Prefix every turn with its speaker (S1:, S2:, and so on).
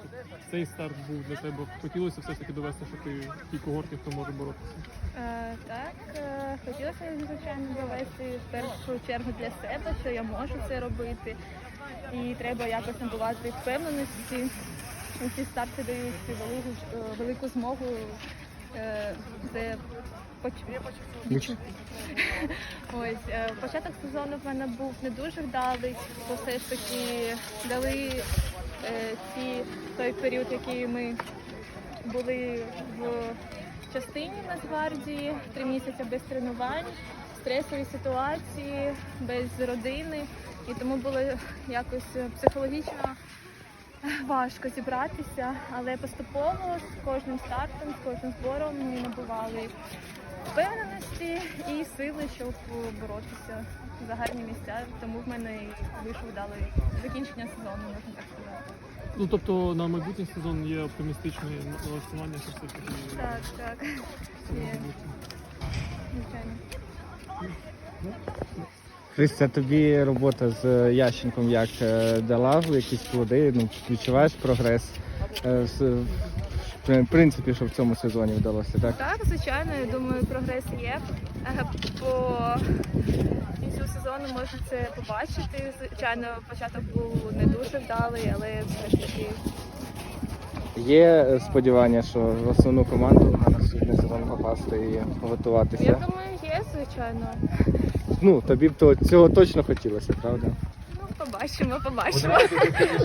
S1: цей старт був для тебе? Хотілося все ж таки довести, що ти в тій когорті, хто може боротися?
S2: Так, хотілося, звичайно, довести в першу чергу для себе, що я можу це робити. І треба якось набувати впевненості. Ці старти дають велику змогу це відчути. Ось, початок сезону в мене був не дуже вдалий, бо все ж таки дали той період, який ми були в частині в Нацгвардії, 3 місяці без тренувань, стресові ситуації, без родини. І тому було якось психологічно важко зібратися, але поступово з кожним стартом, з кожним збором ми набували впевненості і сили, щоб боротися за гарні місця. Тому в мене і вийшло вдале закінчення сезону, можна так сказати.
S1: Ну, тобто на майбутній сезон є оптимістичне налаштування, що все ж таки...
S2: Так. Є. Звичайно.
S3: Христя, тобі робота з Ященком як дала якісь плоди? Ну, відчуваєш прогрес? В принципі, що в цьому сезоні вдалося, так?
S2: Так, звичайно, я думаю, прогрес є. По кінцю сезону можна це побачити. Звичайно, початок був не дуже вдалий, але все ж таки.
S3: Є сподівання, що в основну команду на наступний сезон попасти і готуватися?
S2: Я думаю, є, звичайно.
S3: Ну, тобі б цього точно хотілося, правда?
S2: Ну, побачимо.